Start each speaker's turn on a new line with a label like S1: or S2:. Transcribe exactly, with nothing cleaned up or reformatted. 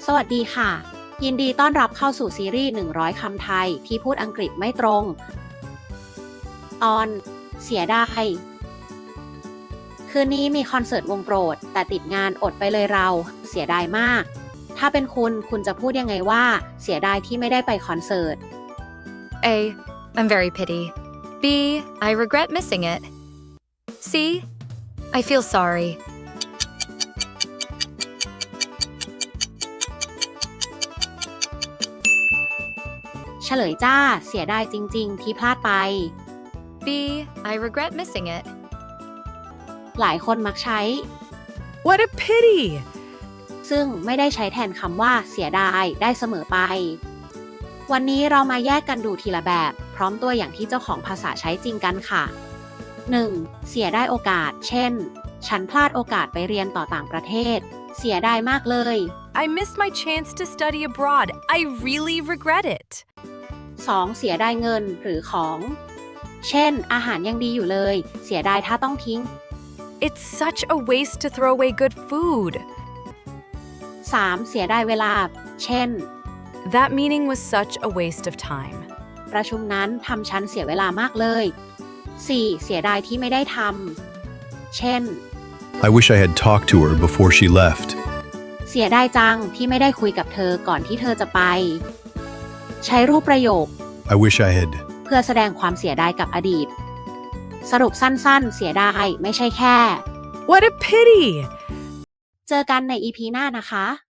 S1: สวัสดีค่ะยินดีต้อนรับเข้าสู่ซีรีส์หนึ่งร้อยคำไทยที่พูดอังกฤษไม่ตรงตอนเสียดายคืนนี้มีคอนเสิร์ตวงโปรดแต่ติดงานอดไปเลยเราเสียดายมากถ้าเป็นคุณคุณจะพูดยังไงว่าเสียดายที่ไม่ได้ไปคอนเสิร์ต
S2: A. I'm very pity. B. I regret missing it. C. I feel sorry.
S1: เฉลยจ้าเสียดายจริงๆที่พลาดไป
S2: B. I regret missing it.
S1: หลายคนมักใช้
S3: What a pity!
S1: ซึ่งไม่ได้ใช้แทนคำว่าเสียดายได้เสมอไป วันนี้เรามาแยกกันดูทีละแบบ พร้อมตัวอย่างที่เจ้าของภาษาใช้จริงกันค่ะ หนึ่ง. เสียได้โอกาส เช่น ฉันพลาดโอกาสไปเรียนต่อต่างประเทศ เสียดายมากเลย
S3: I missed my chance to study abroad. I really regret it.
S1: สอง. เสียดายเงินหรือของ เช่น อาหารยังดีอยู่เลย เสียดายถ้าต้องทิ้ง
S3: It's such a waste to throw away good food.
S1: สาม. เสียดายเวลา เช่น
S3: That meeting was such a waste of time.
S1: ประชุมนั้นทำฉันเสียเวลามากเลย สี่. เสียดายที่ไม่ได้ทำ เช่น
S4: I wish I had talked to her before she left.
S1: เสียดายจังที่ไม่ได้คุยกับเธอก่อนที่เธอจะไป ใช้รูปประโยค
S4: I wish I had.
S1: เพื่อแสดงความเสียดายกับอดีต สรุปสั้นๆ เสียดายไม่ใช่แค่
S3: What a pity!
S1: เจอกันใน อี พี หน้านะคะ